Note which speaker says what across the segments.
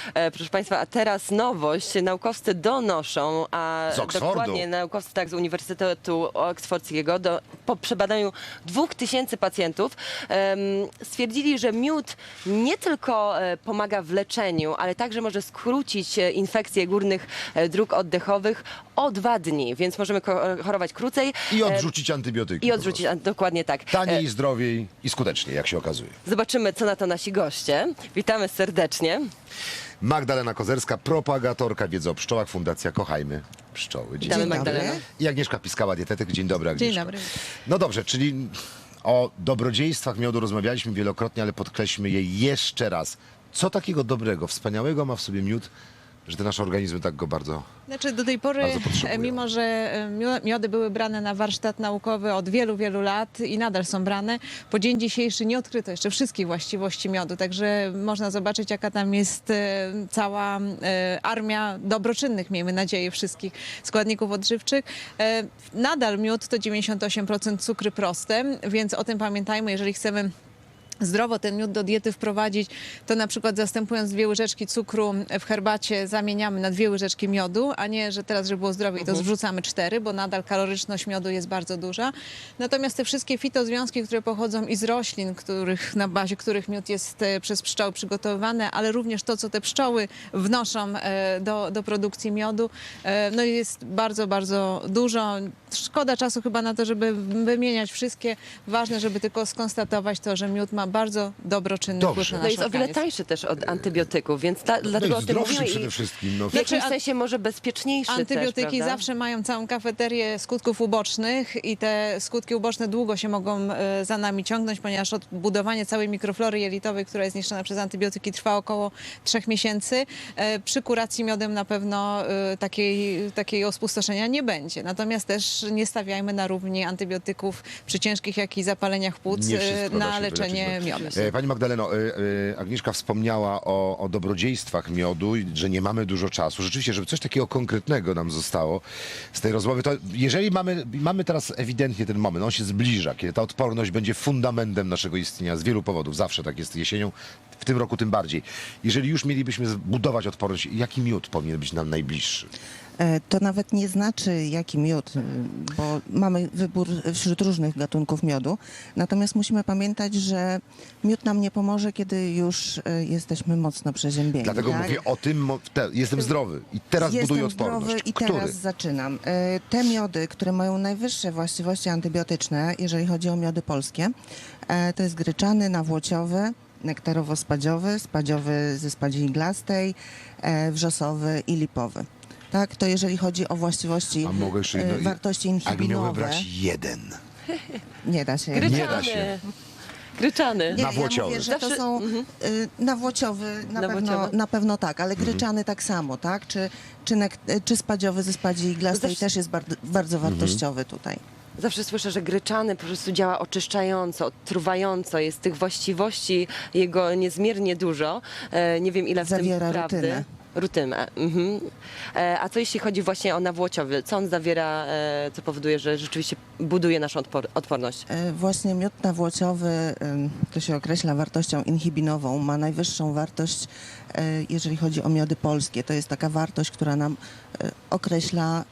Speaker 1: Proszę Państwa, a teraz nowość. Naukowcy donoszą, a
Speaker 2: Z Oksfordu.
Speaker 1: dokładnie naukowcy z Uniwersytetu Oksfordzkiego po przebadaniu 2000 pacjentów stwierdzili, że miód nie tylko pomaga w leczeniu, ale także może skrócić infekcje górnych dróg oddechowych o 2 dni, więc możemy chorować krócej.
Speaker 2: I odrzucić antybiotyki.
Speaker 1: I odrzucić, dokładnie tak.
Speaker 2: Taniej, zdrowiej i skutecznie, jak się okazuje.
Speaker 1: Zobaczymy, co na to nasi goście. Witamy serdecznie.
Speaker 2: Magdalena Kozerska, propagatorka wiedzy o pszczołach, Fundacja Kochajmy Pszczoły. Dzień
Speaker 1: Witamy,
Speaker 2: dobry.
Speaker 1: Magdalena.
Speaker 2: I Agnieszka Piskała, dietetyk. Dzień dobry, Agnieszka.
Speaker 3: Dzień dobry.
Speaker 2: No dobrze, czyli o dobrodziejstwach miodu rozmawialiśmy wielokrotnie, ale podkreślmy je jeszcze raz. Co takiego dobrego, wspaniałego ma w sobie miód, że te nasze organizmy tak go bardzo...
Speaker 3: Znaczy do tej pory,
Speaker 2: Bardzo potrzebują.
Speaker 3: mimo że miody były brane na warsztat naukowy od wielu, wielu lat i nadal są brane, po dzień dzisiejszy nie odkryto jeszcze wszystkich właściwości miodu, także można zobaczyć, jaka tam jest cała armia dobroczynnych, miejmy nadzieję, wszystkich składników odżywczych. Nadal miód to 98% cukry proste, więc o tym pamiętajmy, jeżeli chcemy zdrowo ten miód do diety wprowadzić, to na przykład zastępując 2 łyżeczki cukru w herbacie zamieniamy na 2 łyżeczki miodu, a nie, że teraz, żeby było zdrowiej, to zrzucamy 4, bo nadal kaloryczność miodu jest bardzo duża. Natomiast te wszystkie fitozwiązki, które pochodzą i z roślin, na bazie których miód jest przez pszczoły przygotowywany, ale również to, co te pszczoły wnoszą do produkcji miodu, no jest bardzo, bardzo dużo. Szkoda czasu chyba na to, żeby wymieniać wszystkie. Ważne, żeby tylko skonstatować to, że miód ma bardzo dobroczynny wpływ na
Speaker 1: No
Speaker 3: nasz
Speaker 1: jest o wiele
Speaker 3: organizm.
Speaker 1: tańszy też od antybiotyków, więc dlatego
Speaker 2: No
Speaker 1: o
Speaker 2: i
Speaker 1: tym
Speaker 2: zdrowszy
Speaker 1: mówimy
Speaker 2: przede
Speaker 1: i
Speaker 2: wszystkim. No.
Speaker 1: w jakimś
Speaker 3: Znaczy,
Speaker 1: sensie może bezpieczniejszy
Speaker 3: Antybiotyki
Speaker 1: też, prawda?
Speaker 3: zawsze mają całą kafeterię skutków ubocznych i te skutki uboczne długo się mogą za nami ciągnąć, ponieważ odbudowanie całej mikroflory jelitowej, która jest niszczona przez antybiotyki, trwa około 3 miesięcy. Przy kuracji miodem na pewno takiego spustoszenia nie będzie. Natomiast też nie stawiajmy na równi antybiotyków przy ciężkich, jak i zapaleniach płuc
Speaker 2: Nie wszystko da
Speaker 3: na
Speaker 2: się
Speaker 3: leczenie
Speaker 2: wyleczyć,
Speaker 3: miodem.
Speaker 2: Pani Magdaleno, Agnieszka wspomniała o dobrodziejstwach miodu, i że nie mamy dużo czasu. Rzeczywiście, żeby coś takiego konkretnego nam zostało z tej rozmowy, to jeżeli mamy teraz ewidentnie ten moment, on się zbliża, kiedy ta odporność będzie fundamentem naszego istnienia z wielu powodów. Zawsze tak jest jesienią, w tym roku tym bardziej. Jeżeli już mielibyśmy zbudować odporność, jaki miód powinien być nam najbliższy?
Speaker 4: To nawet nie znaczy jaki miód, bo mamy wybór wśród różnych gatunków miodu. Natomiast musimy pamiętać, że miód nam nie pomoże, kiedy już jesteśmy mocno przeziębieni.
Speaker 2: Dlatego
Speaker 4: tak?
Speaker 2: mówię o tym, jestem zdrowy i teraz buduję
Speaker 4: Jestem
Speaker 2: odporność.
Speaker 4: zdrowy i
Speaker 2: Który?
Speaker 4: teraz zaczynam. Te miody, które mają najwyższe właściwości antybiotyczne, jeżeli chodzi o miody polskie, to jest gryczany, nawłociowy, nektarowo-spadziowy, spadziowy ze spadzi iglastej, wrzosowy i lipowy. Tak, to jeżeli chodzi o właściwości,
Speaker 2: A mogę jeszcze jedno...
Speaker 4: wartości
Speaker 2: Jak miałbym
Speaker 4: inhibinowe,
Speaker 2: brać jeden.
Speaker 4: nie da się.
Speaker 1: Gryczany.
Speaker 2: Nie da się.
Speaker 1: Gryczany.
Speaker 4: Nie,
Speaker 2: Nawłociowy.
Speaker 4: Ja mówię, że to
Speaker 1: Zawsze-
Speaker 4: są nawłociowy,
Speaker 1: Nawłociowy.
Speaker 4: na pewno tak, ale gryczany tak samo, tak? Czy spadziowy ze spadzi iglastej
Speaker 1: Zawsze-
Speaker 4: też jest bardzo wartościowy tutaj.
Speaker 1: Zawsze słyszę, że gryczany po prostu działa oczyszczająco, odtruwająco. Jest tych właściwości jego niezmiernie dużo. Nie wiem, ile w
Speaker 4: Zawiera
Speaker 1: tym prawdy.
Speaker 4: rutynę.
Speaker 1: Rutynę. Mhm. A co jeśli chodzi właśnie o nawłociowy? Co on zawiera, co powoduje, że rzeczywiście buduje naszą odporność?
Speaker 4: Właśnie miód nawłociowy, to się określa wartością inhibinową, ma najwyższą wartość, jeżeli chodzi o miody polskie. To jest taka wartość, która nam określa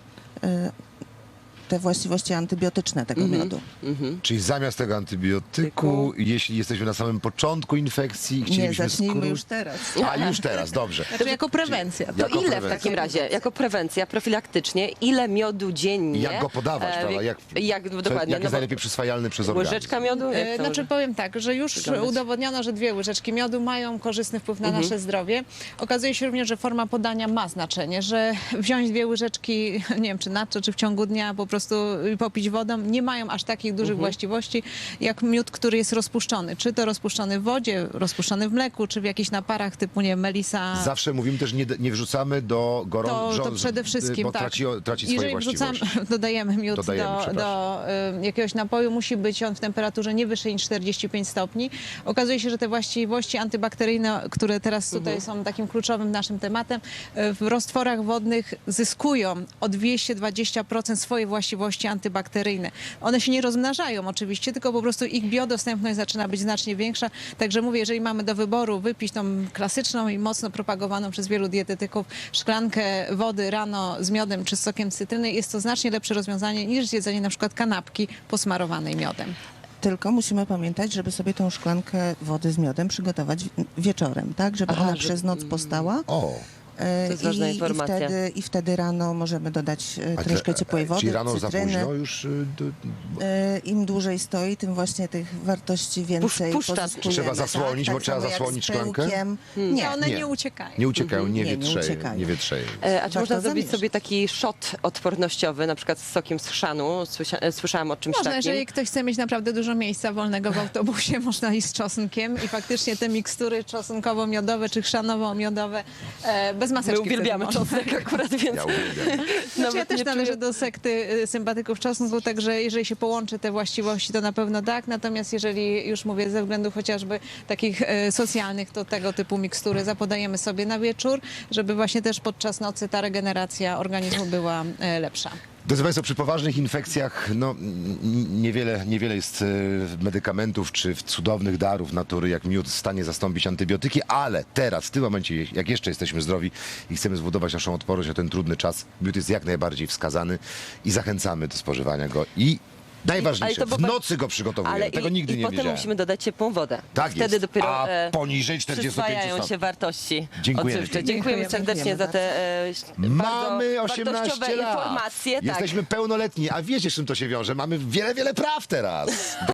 Speaker 4: te właściwości antybiotyczne tego miodu.
Speaker 2: Czyli zamiast tego antybiotyku, jeśli jesteśmy na samym początku infekcji i
Speaker 4: Nie,
Speaker 2: chcielibyśmy
Speaker 4: zacznijmy już teraz.
Speaker 2: A już teraz, dobrze.
Speaker 3: Znaczy jako prewencja.
Speaker 1: To
Speaker 2: Jako
Speaker 1: ile
Speaker 2: prewencja.
Speaker 1: w takim razie, jako prewencja, profilaktycznie, ile miodu dziennie?
Speaker 2: Jak go podawać, prawda?
Speaker 1: Jak dokładnie?
Speaker 2: Jak
Speaker 1: No
Speaker 2: jest
Speaker 1: bo
Speaker 2: najlepiej przyswajalny przez organizm?
Speaker 1: łyżeczka miodu? Jak to
Speaker 3: Znaczy
Speaker 1: może-
Speaker 3: powiem tak, że już
Speaker 1: wyglądać?
Speaker 3: udowodniono, że 2 łyżeczki miodu mają korzystny wpływ na nasze zdrowie. Okazuje się również, że forma podania ma znaczenie, że wziąć 2 łyżeczki, nie wiem czy nadto, czy w ciągu dnia po prostu popić wodą, nie mają aż takich dużych właściwości jak miód, który jest rozpuszczony. Czy to rozpuszczony w wodzie, rozpuszczony w mleku, czy w jakichś naparach typu, nie wiem, melisa.
Speaker 2: Zawsze mówimy też, nie wrzucamy do gorącego,
Speaker 3: To przede wszystkim,
Speaker 2: bo
Speaker 3: tak.
Speaker 2: traci swoje
Speaker 3: Jeżeli
Speaker 2: właściwości.
Speaker 3: dodajemy miód
Speaker 2: Dodajemy,
Speaker 3: do jakiegoś napoju, musi być on w temperaturze nie wyższej niż 45 stopni. Okazuje się, że te właściwości antybakteryjne, które teraz tutaj są takim kluczowym naszym tematem, w roztworach wodnych zyskują o 220% swoje właściwości właściwości antybakteryjne. One się nie rozmnażają oczywiście, tylko po prostu ich biodostępność zaczyna być znacznie większa. Także mówię, jeżeli mamy do wyboru wypić tą klasyczną i mocno propagowaną przez wielu dietetyków szklankę wody rano z miodem czy z sokiem z cytryny, jest to znacznie lepsze rozwiązanie niż zjedzenie na przykład kanapki posmarowanej miodem.
Speaker 4: Tylko musimy pamiętać, żeby sobie tą szklankę wody z miodem przygotować wieczorem, tak? Żeby
Speaker 1: Aha,
Speaker 4: ona
Speaker 1: że-
Speaker 4: przez noc postała.
Speaker 2: O,
Speaker 4: To
Speaker 1: jest ważna informacja.
Speaker 4: I wtedy rano możemy dodać troszkę ciepłej wody,
Speaker 2: czyli rano
Speaker 4: cytryny.
Speaker 2: za późno już
Speaker 4: Im dłużej stoi, tym właśnie tych wartości więcej
Speaker 1: puszcza.
Speaker 4: pozyskujemy.
Speaker 2: Trzeba zasłonić, bo trzeba
Speaker 4: samo jak
Speaker 2: zasłonić
Speaker 4: z
Speaker 2: szklankę?
Speaker 4: pyłkiem.
Speaker 3: Nie, one
Speaker 2: Nie.
Speaker 3: nie uciekają.
Speaker 2: nie uciekają, nie
Speaker 4: Nie, nie
Speaker 2: wietrzeją.
Speaker 4: uciekają.
Speaker 2: Nie wietrzeją.
Speaker 1: A czy można zrobić
Speaker 4: zamieszać.
Speaker 1: sobie taki shot odpornościowy, na przykład z sokiem z chrzanu? Słyszałam o czymś
Speaker 3: Można,
Speaker 1: takim.
Speaker 3: jeżeli ktoś chce mieć naprawdę dużo miejsca wolnego w autobusie, można iść z czosnkiem i faktycznie te mikstury czosnkowo-miodowe czy chrzanowo-miodowe bez maseczki.
Speaker 1: My uwielbiamy
Speaker 3: wtedy można.
Speaker 1: czosnek akurat, więc
Speaker 2: Ja uwielbiam.
Speaker 3: Znaczy, ja też
Speaker 1: nie
Speaker 3: należę
Speaker 1: czuję-
Speaker 3: do sekty sympatyków czosnku, także jeżeli się połączy te właściwości, to na pewno tak. Natomiast jeżeli już mówię ze względów chociażby takich socjalnych, to tego typu mikstury zapodajemy sobie na wieczór, żeby właśnie też podczas nocy ta regeneracja organizmu była lepsza.
Speaker 2: Drodzy Państwo, przy poważnych infekcjach niewiele jest medykamentów czy cudownych darów natury, jak miód, w stanie zastąpić antybiotyki, ale teraz, w tym momencie, jak jeszcze jesteśmy zdrowi i chcemy zbudować naszą odporność na ten trudny czas, miód jest jak najbardziej wskazany i zachęcamy do spożywania go. I najważniejsze,
Speaker 1: Ale to
Speaker 2: w nocy go przygotowujemy. Tego nigdy nie
Speaker 1: potem
Speaker 2: wiedziałem.
Speaker 1: musimy dodać ciepłą wodę.
Speaker 2: Tak
Speaker 1: Wtedy
Speaker 2: jest.
Speaker 1: dopiero
Speaker 2: A poniżej 45
Speaker 1: przyswajają
Speaker 2: stopni.
Speaker 1: się wartości
Speaker 2: Dziękujemy
Speaker 1: odżywcze.
Speaker 2: pięknie.
Speaker 1: Dziękujemy serdecznie za te
Speaker 2: Mamy
Speaker 1: bardzo
Speaker 2: 18
Speaker 1: wartościowe
Speaker 2: lat.
Speaker 1: informacje. Tak.
Speaker 2: Jesteśmy pełnoletni, a wiecie, z czym to się wiąże? Mamy wiele praw teraz.